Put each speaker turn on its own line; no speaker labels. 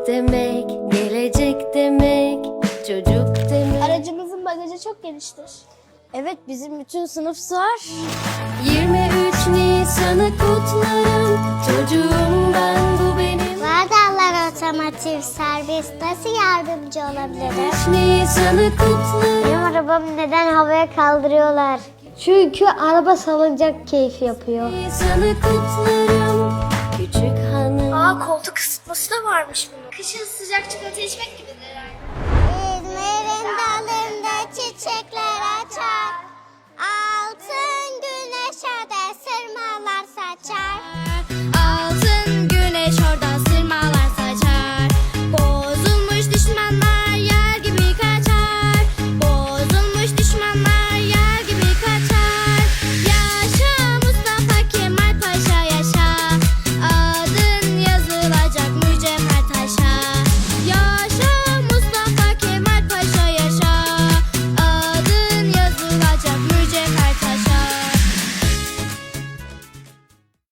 demek, gelecek demek, çocuk demek.
Aracımızın bagajı çok geniştir.
Evet, bizim bütün sınıf sığar.
23 Nisan'ı kutlarım, çocuğum ben, bu benim.
Vardallar Otomotiv Servis, nasıl yardımcı olabilirim?
23 Nisan'ı kutlarım.
Benim arabamı neden havaya kaldırıyorlar?
Çünkü araba salıncak keyfi yapıyor.
Nisan'ı kutlarım, küçük hanım.
Koltuk ısıtması da varmış bunun. Kışın sıcak çikolata içmek gibidir herhalde.
İzmir'in dalında çiçekler açar.